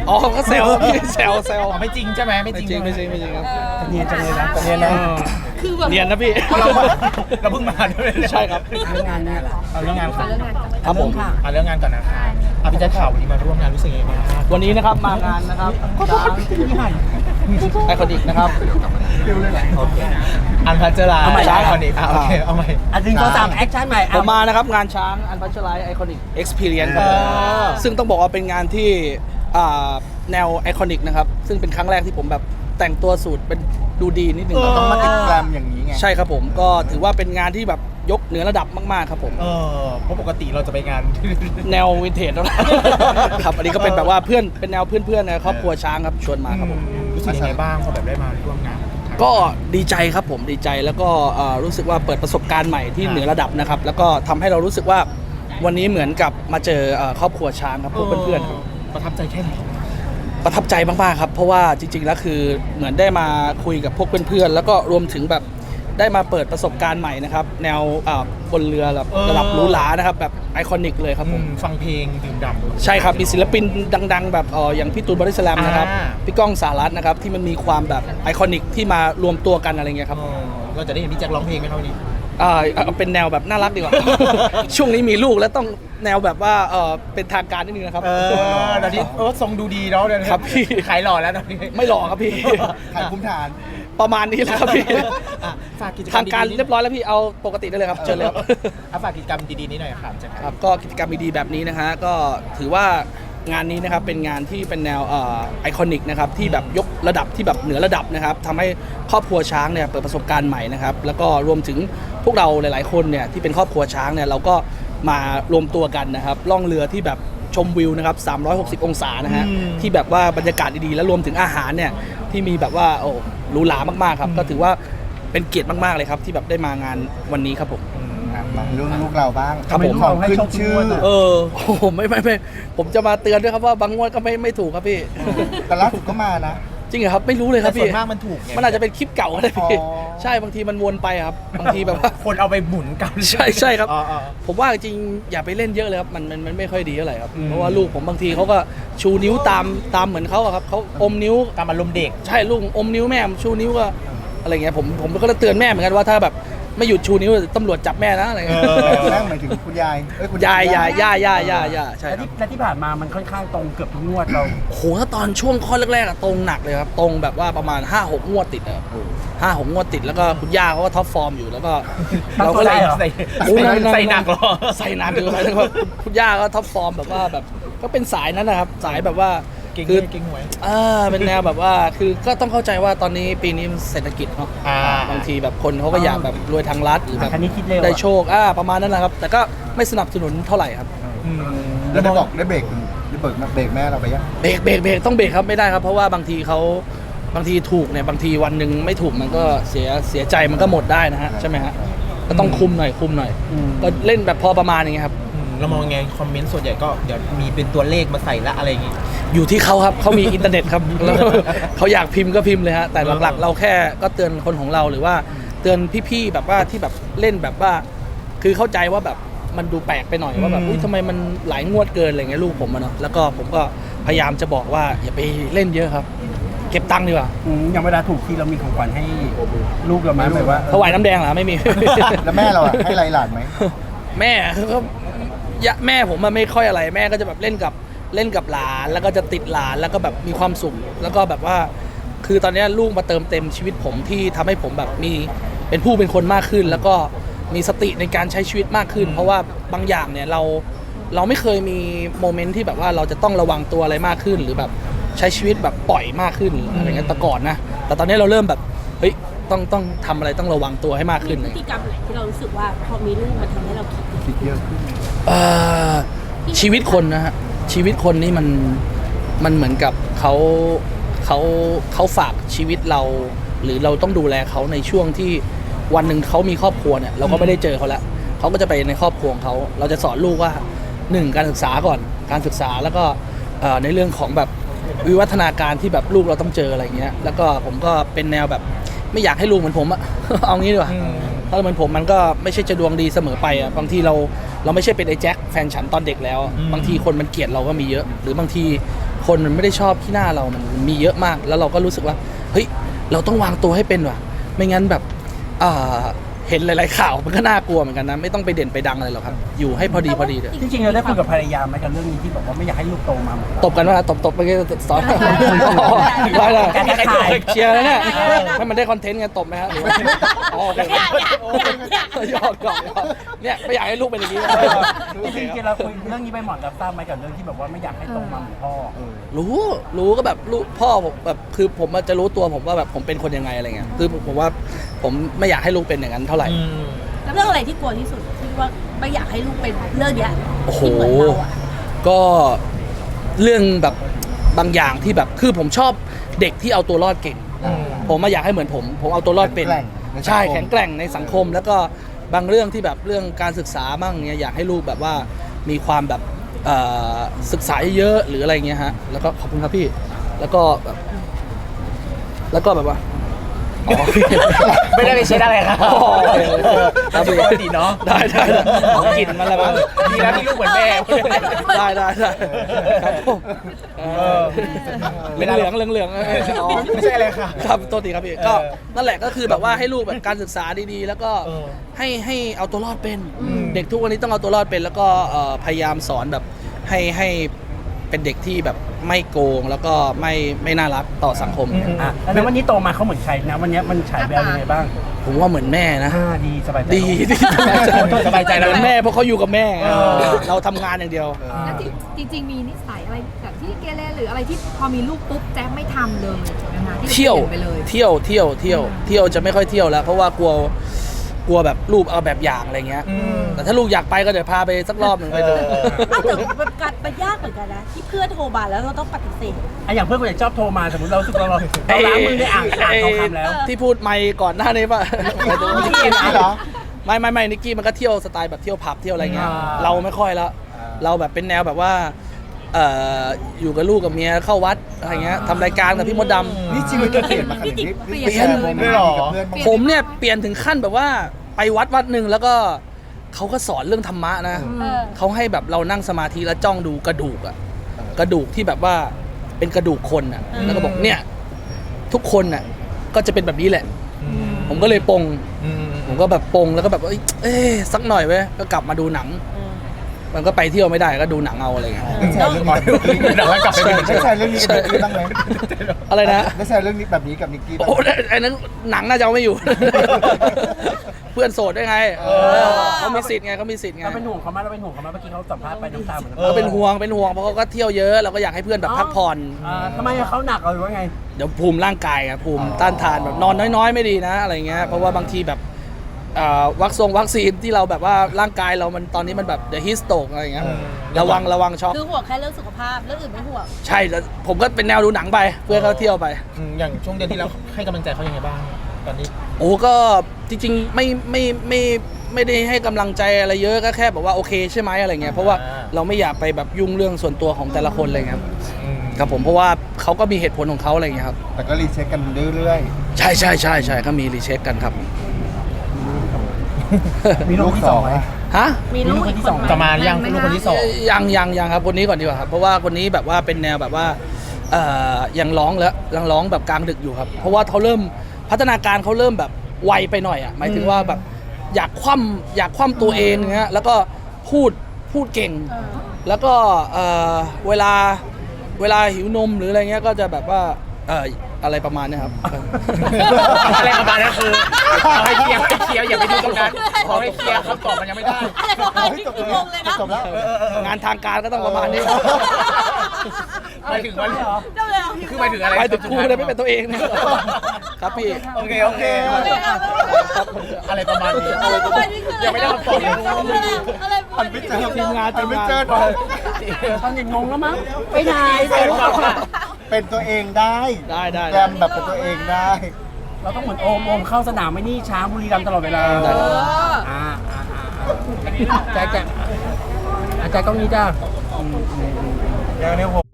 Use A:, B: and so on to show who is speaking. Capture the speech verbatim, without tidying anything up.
A: อ๋อก็แซวพี่แซวแซว
B: ไม่จริงใช่ไหมไม่
A: ไม่
B: จริง
A: จริงไม่จริงไม่จริงครับ
C: เนียนจังเลยนะเนียนนะ
D: คือแบบ
A: เนียนนะพี่
B: เราเราเพิ่งมาด้วย
A: ใช่ครับ
C: เรื่องงานเนี่ย
B: เอาเรื่องงานก่อน
A: ครับผม
B: เอาเรื่องงานก่อนนะคะอ่ะพี่แจ๊คข่าววันนี้มาร่วมงานรู้สึกยังไงบ้าง
A: วันนี้นะครับมางานนะครับช้างไอคอนิกนะครับ
B: โอเคอันพัชรา
A: เอาใหม่
B: ช้างก่อนอีกอ่ะโอเคเอาใหม่
C: อันหนึ่งสองสามแอคชั่นใหม่
A: ผมมานะครับงานช้างอันพัชไลไอคอนิกเอ็กซ์เพรียนครับผม
B: เออ
A: ซึ่งต้องบอกว่าเป็นงานที่อ่าแนวไอคอนิกนะครับซึ่งเป็นครั้งแรกที่ผมแบบแต่งตัวสูทเป็นดูดีนิดนึงครับ
E: ต้องมาติดแกรมอย่างนี้ไง
A: ใช่ครับผมก็ถือว่าเป็นงานที่แบบยกเหนือระดับมากๆครับผม
B: เออเพราะปกติเราจะไปงาน
A: แนววินเทจแล้วนะครับอันนี้ก็เป็นแบบว่าเพื่อนเป็นแนวเพื่อนๆในครอบครัวช้างครับชวนมาครับผม
B: รู้สึกยังไงบ้างพอแบบได้มาร่วมงาน
A: ก็ดีใจครับผมดีใจแล้วก็เอ่อรู้สึกว่าเปิดประสบการณ์ใหม่ที่เหนือระดับนะครับแล้วก็ทำให้เรารู้สึกว่าวันนี้เหมือนกับมาเจอเอ่อครอบครัวช้างครับพวกเพื่อนๆครับ
B: ประทับใจแค่ไหน
A: ประทับใจมากๆครับเพราะว่าจริงๆแล้วคือเหมือนได้มาคุยกับพวกเพื่อนๆแล้วก็รวมถึงแบบได้มาเปิดประสบการณ์ใหม่นะครับแนวอ่าบนเรือแบบระดับหรูหรานะครับแบบไอคอนิกเลยครับผม
B: ฟังเพลงดื่มด่ำ
A: ใช่ครับมีศิลปินดังๆ แบบเอ่ออย่างพี่ตูนบอดี้สแลมนะครับ
B: อ่า
A: พี่ก้องสารัตน์นะครับที่มันมีความแบบไอคอนิกที่มารวมตัวกันอะไรเงี้ยครับ
B: เออเราจะได้เห็นพี่แจ็คร้องเพลงไหมครับวันนี้
A: อ่าเอาเป็นแนวแบบน่ารักดีกว่า ช่วงนี้มีลูกแล้วต้องแนวแบบว่าเออเป็นทางการนิดนึงนะครับ
B: เออตอนนี้เออทรงดูดีเนาะเดี๋ยวนี้
A: ครับพี่
B: ขายหล่อแล้วตอนนี้
A: ไม่หล่อครับพี่
E: ขายคุ้มฐาน
A: ประมาณนี้แหละครับพี่
B: อ่ะฝากกิจกรรม
A: ทางการ
B: ดีๆ
A: เรียบร้อยแล้วพี่เอาปกติได้เลยครับเชิญเลยครับ
B: อ่ะฝากกิจกรรมดีๆนี้หน่อยครับแจ็ค
A: ครับก็กิจกรรมดีๆแบบนี้นะฮะก็ถือว่างานนี้นะครับเป็นงานที่เป็นแนวไอคอนิกนะครับที่แบบยกระดับที่แบบเหนือระดับนะครับทำให้ครอบครัวช้างเนี่ยเปิดประสบการณ์ใหม่นะครับแล้วก็รวมถึงพวกเราหลายๆคนเนี่ยที่เป็นครอบครัวช้างเนี่ยเราก็มารวมตัวกันนะครับล่องเรือที่แบบชมวิวนะครับสามร้อยหกสิบองศานะฮะที่แบบว่าบรรยากาศดีๆแล้วรวมถึงอาหารเนี่ยที่มีแบบว่าโอ้หรูหรามากๆครับก็ถือว่าเป็นเกียรติมากๆเลยครับที่แบบได้มางานวันนี้ครับผม
E: มาเรื่องลูกเราบ้าง
A: ครับผม
E: ของขึ้นชื่อ
A: เออโอ้โหไม่ไม่ไม่ผมจะมาเตือนด้วยครับว่าบางงวดก็ไม่ไม่ถูกครับพี่
E: แต่ล่าสุดก็มานะ
A: จริงเหรอครับไม่รู้เลยค
B: แต่
A: รับ
B: ส่ว
A: พี่
B: นมากมันถูกไง
A: มันอาจจะเป็นคลิปเก่าก็ได้พี่
E: อ๋อ
A: ใช่บางทีมันวนไปครับบางทีแบบว่า
B: คนเอาไปหมุนกัน
A: ใช่ใช่ครับ
B: อ๋ออ๋อ
A: ผมว่าจริงๆอย่าไปเล่นเยอะเลยครับมันมันมันไม่ค่อยดีเท่าไหร่ครับ
B: อืม
A: เพราะว่าลูกผมบางทีเขาก็ชูนิ้วตามตามเหมือนเขาอะครับเขาอมนิ้ว
B: ตามอารมณ์เด็ก
A: ใช่ลูกอมนิ้วแม่ชูนิ้วก็อะไรเงี้ยผมผมก็เตือนแม่เหมือนกันว่าถ้าแบบไม่หยุดชูนิ้วตำรวจจับแม่นะอะไรเงี้ย
B: เออ
E: แม่หมายถึงคุณยายเอ้คุณ
A: ยายยายย่าย่าย่าย่าใช่
C: และ
A: ครับ
C: ที่และที่ผ่านมามันค่อนข้างตรงเกือบทุกงวดเรา
A: โหถ้าตอนช่วงข้อแรกๆอะตรงหนักเลยครับตรงแบบว่าประมาณห้าหกงวดติดอะครับห้าหกงวดติดแล้วก็คุณย่าเขาก็ท็อปฟอร์มอยู่แล้วก็เราก็เลย
C: ตั้งตัวได้เหรอ
B: ใส่
A: โอ้
B: ใส่
A: นั่นๆๆ
B: ใส่หนักเหรอ
A: ใส่หนักอยู่ครับแล้วก็คุณย่าก็ท็อปฟอร์มแบบว่าแบบก็เป็นสายนั้นนะครับสายแบบว่า
B: เก่ง
A: คื
B: เงินเก่งหวย
A: อ่าเป็นแนวแบบว่าคือก็ต้องเข้าใจว่าตอนนี้ปีนี้เศรษฐกิจเนาะ
B: อ่า
A: บางทีแบบคนเขาก็อยากแบบรวยทางรัฐหรือแบบ
C: คันนี้คิดเร็วอะ
A: ได้โชคอ่าประมาณนั้นแหละครับ แต่ก็ไม่สนับสนุนเท่าไหร่ครับ
B: อืม
E: แล้วได้บอกได้เบรกได้เบิกเบรกแม่เราไปยัง
A: เบรกเบรกเบรกต้องเบรกครับไม่ได้ครับเพราะว่าบางทีเขาบางทีถูกเนี่ยบางทีวันหนึ่งไม่ถูกมันก็เสียเสียใจมันก็หมดได้นะฮะใช่ไหมฮะก็ต้องคุมหน่อยคุมหน่อย
C: อืม
A: ก็เล่นแบบพอประมาณอย่างเงี้ยครับ
B: อืมเรามองไงคอมเมนต์ส่วนใหญ่ก็เดี๋ยวมีเป็นตัวเลขมาใส่ละอะไรอย่างงี้
A: อยู่ที่เขาครับเขามีอินเทอร์เน็ตครับ แล้วเขาอยากพิมพ์ก็พิมพ์เลยฮะแต่หลักๆ เราแค่ก็เตือนคนของเราหรือว่าเตือนพี่ๆแบบว่าที่แบบเล่นแบบว่า คือเข้าใจว่าแบบมันดูแปลกไปหน่อยว่าแบบ
B: อืม
A: อุ้ยทำไมมันหลายงวดเกินอะไรเงี้ยลูกผมอะเนาะแล้วก็ผมก็พยายามจะบอกว่าอย่าไปเล่นเยอะครับ เก็บตังค์ดีกว่า
C: อืมอย่างเวลาถูกที่เรามีของขวัญให้ลูกเราไหมแบบว่า
A: ถวายน้ำแดงเหรอไม่มี
E: แล้วแม่เราอะให้ไรหลานไหม
A: แม่ก็ยะแม่ผมมันไม่ค่อยอะไรแม่ก็จะแบบเล่นกับเล่นกับหลานแล้วก็จะติดหลานแล้วก็แบบมีความสุขแล้วก็แบบว่า คือตอนนี้ลูกมาเติมเต็มชีวิตผมที่ทำให้ผมแบบมีเป็นผู้เป็นคนมากขึ้น แล้วก็มีสติในการใช้ชีวิตมากขึ้น เพราะว่าบางอย่างเนี่ยเราเราไม่เคยมีโมเมนต์ที่แบบว่าเราจะต้องระวังตัวอะไรมากขึ้น หรือแบบใช้ชีวิตแบบปล่อยมากขึ้นอะไรเงี้ยแต่ก่อนนะแต่ตอนนี้เราเริ่มแบบเฮ้ยต้องต้องทำอะไรต้องระวังตัวให้มากขึ้น
D: พ
A: เล
D: ฤ
A: ย
D: ติกรรมไหนที่เรารู้สึกว่าพอมีลูกมันทำให้เราคิด
E: คิดเยอะขึ้น
A: เอ่อชีวิตคนนะฮะชีวิตคนนี่มันมันเหมือนกับเขาเขาเขาฝากชีวิตเรา หรือเราต้องดูแลเขาในช่วงที่วันหนึ่งเขามีครอบครัวเนี่ยเราก็ไม่ได้เจอเขาแล้วเขาก็จะไปในครอบครัวของเขาเราจะสอนลูกว่าหนึ่งการศึกษาก่อนการศึกษาแล้วก็เอ่อในเรื่องของแบบวิวัฒนาการที่แบบลูกเราต้องเจออะไรเงี้ยแล้วก็ผมก็เป็นแนวแบบไม่อยากให้ลูกเหมือนผมอะ เอางี้ดีกว่า
B: อืม
A: ถ้าเหมือนผมมันก็ไม่ใช่จะดวงดีเสมอไปอ่ะบางทีเราเราไม่ใช่เป็นไอ้แจ็คแฟนฉันตอนเด็กแล้ว
B: อืม
A: บางทีคนมันเกลียดเราก็มีเยอะ หรือบางทีคคนมันไม่ได้ชอบที่หน้าเรามันมีเยอะมาก แล้วเราก็รู้สึกว่าเฮ้ยเราต้องวางตัวให้เป็นว่ะไม่งั้นแบบอ่าเห็นหลายๆข่าวมันก็น่ากลัวเหมือนกันนะไม่ต้องไปเด่นไปดังอะไรหรอกครับอยู่ให้พอดีพอดีเถอะ
C: จริงๆเราได้คุยกับภรรยาไหมกับเรื่องนี้ที่บอกว่าไม่อยากให้ลูกโตมาเหมือนเรา
A: ตบกันว่าตบตบไปสอนได้เลย
C: การกระจาย
A: เชียร์แล้วเนี่ยให้มันได้คอนเทนต์ไงตบไหมฮะอ๋อโอเค
D: อย่าอย่าอย่าอย่า
A: หยอกหยอกหยอกเนี่ยไม่อยากให้ลูกเป็นอย่างนี้
C: จริงๆเราคุยเรื่องนี้ไปหมอนรับทราบไหมกับเรื่องที่แบบว่าไม่อยากให้โตมาเหมือนพ่อ
A: รู้รู้ก็แบบลูกพ่อผมแบบคือผมจะรู้ตัวผมว่าแบบผมเป็นคนยังไงอะไรเงี้ยคือผมว่าผมไม่อยากให้ลูกเป็นอย่างนั้นเท่าไหร่
D: แล้วเรื่องอะไรที่กลัวที่สุดที่ว่าไม่อยากให้ลูกเป็นเรื่องเนี้ย
A: โอ้โห
D: ที่เหมือนเราอะ
A: ก็เรื่องแบบบางอย่างที่แบบคือผมชอบเด็กที่เอาตัวรอดเก่ง ผมมาอยากให้เหมือนผม ผมเอาตัวรอดเป็น
E: แข็งแกร่งในสังคม
A: ใช่แข็งแกร่งในสังคม แล้วก็บางเรื่องที่แบบเรื่องการศึกษาบ้างเนี่ยอยากให้ลูกแบบว่ามีความแบบเอ่อศึกษาเยอะๆหรืออะไรเงี้ยฮะแล้วก็ขอบคุณครับพี่แล้วก็แบบแล้วก็แบบว่าอ๋อ
B: ไม่ได้ไปเช็ดอะไรครับ
A: อ๋อโอเคครับพี่
B: ปกติเนาะ
A: ได้ได้ได้กลิ่นมันอะไรบ้าง
B: ดีแล้วที่ลูกเหมือนแม่
A: ได้ได้ได้ครับผมเออเหลืองเหลืองเหลืองเหลืองๆอ๋อ
B: ไม่ใช่อะไรค่ะ
A: ครับโทษทีครับพี่ก็นั่นแหละก็คือแบบว่าให้ลูกแบบการศึกษาดีๆ แล้วก็
B: เออ
A: ให้ให้เอาตัวรอดเป็น เด็กทุกวันนี้ต้องเอาตัวรอดเป็น แล้วก็เอ่อพยายามสอนแบบให้ให้เป็นเด็กที่แบบไม่โกงแล้วก็ไม่ไม่น่ารักต่อสังคม
C: อ่ะแล้ววันนี้โตมาเขาเหมือนใครนะวันนี้มันฉายแววยังไงบ้าง
A: ผมว่าเหมือนแม่นะ
C: อ่าดีสบายใจ
A: ดีดี
B: สบายใจแล้ว
A: เหมือนแม่เพราะเขาอยู่กับแม่
B: เออ
A: เราทำงานอย่างเดียว
C: อ่า
F: แล้วจริงจริง ๆ มีนิสัยอะไรแบบที่เกเรหรืออะไรที่พอมีลูกปุ๊บแจ๊บไม่ทำเลยนะคะที่
A: เที่ยว
F: ปลี่นไปเลย
A: เที่ยวเที่ยวเที่ยวเที่ยวจะไม่ค่อยเที่ยวแล้ว เพราะว่ากลัวกลัวแบบลูกเอาแบบอย่างอะไรเงี้ย
B: อืม
A: แต่ถ้าลูกอยากไปก็เดี๋ยวพาไปสักรอบหนึ่งไปดู
B: เออ
D: อ้าวแต่มันการมันยากเหมือนกันนะที่เพื่อนโทรมาแล้วเราต้องปฏิเสธ
C: อ่ะอย่างเพื่อนคนไหนชอบโทรมาสมมติเรารู้สึกเราเราเราล้างมือได้อ่านอ่านทองคำแล้ว
A: ที่พูดไม่ก่อนหน้านี้ป่ะ
E: นิกกี้เหรอ
A: ไม่ไม่ไม่นิกกี้มันก็เที่ยวสไตล์แบบเที่ยวผับเที่ยวอะไรเงี้ย
C: อ่า
A: เราไม่ค่อยแล้ว
E: อ่า
A: เราแบบเป็นแนวแบบว่าเอ่ออยู่กับลูกกับเมียเข้าวัดอะไรเงี้ยทำรายการกับพี่มดดำ
E: นี่ชีวิตเปลี่ยนมาขนาดนี้
F: เปลี่ยน
E: แชร์โมเมนต์ดีกับเพื่อนบ้างไห
A: ผมเนี่ยเปลี่ยนถึงขั้นแบบว่าไปวัดวัดหนึ่งแล้วก็เขาก็สอนเรื่องธรรมะนะ
D: เออ
A: เขาให้แบบเรานั่งสมาธิแล้วจ้องดูกระดูกอะกระดูกที่แบบว่าเป็นกระดูกคนอะแล้วก็บอกเนี่ยทุกคนอะก็จะเป็นแบบนี้แหละ ผมก็เลยปง
B: อืม
A: ผมก็แบบปงแล้วก็แบบเอ้ยเอ๊ะสักหน่อยเว้ยก็กลับมาดูหนัง มันก็ไปเที่ยวไม่ได้ก็ดูหนังเอาอะไรเงี้ย
E: ได้แชร์เรื่องนี้
B: เดี๋ยวกลับไปเป็น
E: ได้แชร์เรื่องนี้กับนิกกี้บ้างไหม
A: อะไรนะ
E: ได้แชร์เรื่องนี้แบบนี้กับนิกกี้บ้าง
A: โอ้
E: ไหม
A: ไอ้นั้นหนังน่าจะเอาไม่อยู่ เพื่อนโสดด้วยไงเออเขามีสิทธิ์ไงเขามีสิทธิ์ไง
C: เราเป็นห่วงเขาไหมเราเป็นห่วงเขาไหมเมื่อกี้เขาสัมภาษณ์ไปน้ำตาเหมือน
A: เราเป็นห่วงเป็นห่วงเพราะเขาก็เที่ยวเยอะเราก็อยากให้เพื่อนแบบพักผ่อน
C: อ่าทำไมเขาหนักเหรอหรือว่าไง
A: เดี๋ยวภูมิร่างกายอะภูมิต้านทานแบบนอนน้อยๆ ไม่ดีนะอะไรเงี้ยเพราะว่าบางทีแบบเอ่อวัคซงวัคซีนที่เราแบบว่าร่างกายเรามันตอนนี้มันแบบเดอะฮิสโตกอะไรเงี้ยระวังระวังช็อก
D: คือห่วงแค่เรื่องสุขภาพเรื่องอื่นไม่ห่วง
A: ใช่แล้วผมก็เป็นแนวดูหนังไปเพื่อนเขาเที่ยวไป
B: อืมอย่างช่วงเดือนที่แล้วให้กำลังใจเขายังไงบ้าง ตอนนี้
A: โอ้ก็จริงๆไม่ไม่ไม่ไม่ได้ให้กำลังใจอะไรเยอะก็แค่บอกว่าโอเคใช่ไหมอะไรเงี้ยเพราะว่า
B: อ่า
A: เราไม่อยากไปแบบยุ่งเรื่องส่วนตัวของแต่ละคนอะไรเงี้ยครับครับผมเพราะว่าเขาก็มีเหตุผลของเขาอะไรเงี้ยครับ
E: แต่ก็รีเช็คกันเรื่อย
A: ใช่ใช่ใช่ใช่ก็มีรีเช็คกันครับ
C: มีลูกที่สองไหม
A: ฮะ
D: มีลูกอีกคนไหม
B: จะมายังลูกคนที่สอง
A: ยังยังยังครับคนนี้ก่อนดีกว่าครับเพราะว่าคนนี้แบบว่าเป็นแนวแบบว่าเอ่อยังร้องแล้วยังร้องแบบกลางดึกอยู่ครับ เพราะว่าเขาเริ่มพัฒนาการเขาเริ่มแบบไวไปหน่อยอ่ะหมายถึงว่าแบบอยากคว่ำอยากคว่ำตัวเองเงี้ยแล้วก็พูดพูดเก่ง
D: เออ
A: แล้วก็เอ่อเวลาเวลาหิวนมหรืออะไรเงี้ยก็จะแบบว่าเอ่ออะไรประมาณเนี้ยครับ
B: อะไรประมาณนั้นคือเอาให้เคลียร์ให้เคลียร์อย่าไปดูตรงนั้นเอาให้เคลียร์คำตอบมันยังไม่ได้
D: อะไรประมาณนี้คืองงเลยนะ
E: จบแล้ว
A: งานทางการก็ต้องประมาณนี้
B: หมายถึงว่า
D: เจ้าเลยเอา
B: คือหมายถึงอะไร
A: ไปถึงครูเลยไม่เป็นตัวเองเนี่ยครับพี่
B: โอเคโอเค อะไรประมาณนี้
D: อะไรประมาณนี้คืออะไร
B: ยังไม่ได้คำตอบเลย
D: อะไรประมาณ
E: ไม่
D: นี้
E: เจอ
A: ทีมงาน
E: หันไม่เจอ
A: ทีมงาน
C: ตอนเด็กงงแล้วมั้งไปไหน
E: เป็นตัวเองได้
A: ได้ได้
E: แรมแบบเป็นตัวเองได้
C: เราต้องเหมือนโอมโอมเข้าสนามไม่นี่ช้างบุรีรัมย์ตลอดเวลา
A: ได้
D: เอ
A: ครับ
D: อ
C: อ่าอ่าอ่าแจ๊คแจ๊คอาจารย์กล้องนี้จ้า
B: เดี๋ยวเนี่ยผม